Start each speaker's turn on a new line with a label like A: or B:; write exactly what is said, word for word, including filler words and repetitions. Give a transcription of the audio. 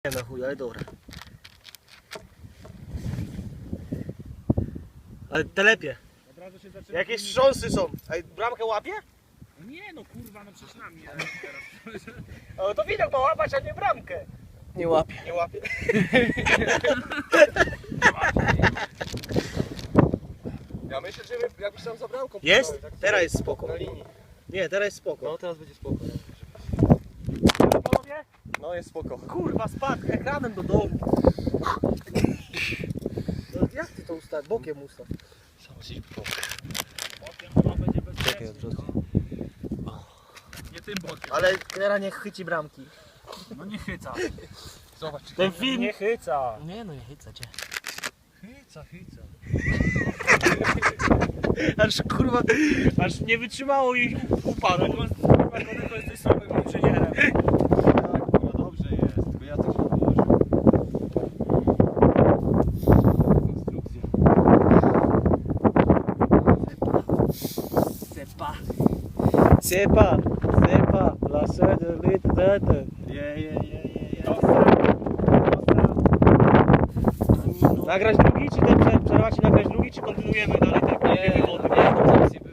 A: Nie na chuj, ale dobra. Ale telepie.
B: Od razu się zaczyna.
A: Jakieś wstrząsy są. Ej, bramkę łapie?
B: No nie no kurwa, no przecież nami teraz.
A: Ale to widok ma łapać, a nie bramkę. Nie łapie. Nie łapie.
C: Ja myślę, że my jakbyś tam za bramką
A: Jest?
C: postał, tak
A: Teraz jest
C: sobie
A: spoko.
C: Na linii.
A: Nie, teraz jest spoko.
C: No teraz będzie spoko.
A: Panowie?
C: No jest spoko.
A: Kurwa, spadł ekranem do domu. No, jak ty to ustawisz? Bokiem ustaw.
B: Potem ona będzie bezpieczna. Nie tym bokiem.
A: Ale teraz nie chyci bramki.
B: No nie chyca.
C: Zobacz.
A: Ten film
B: Nie chyca.
A: Nie no, nie chyca cię.
B: Chyca, chyca.
A: Aż kurwa,
B: Aż nie wytrzymało ich upadek. Koneko jesteś samym inżynierem.
C: Tak, no dobrze jest, tylko ja coś położę. Konstrukcja.
A: Sepa. Sepa. Sepa. La sede litete.
C: Je, je, je, je, je.
A: Nagrać drugi, czy ten prze- przerwać i nagrać drugi, czy kontynuujemy dalej ten
C: Nie,
A: bieg wody?
C: nie, to zaraz nie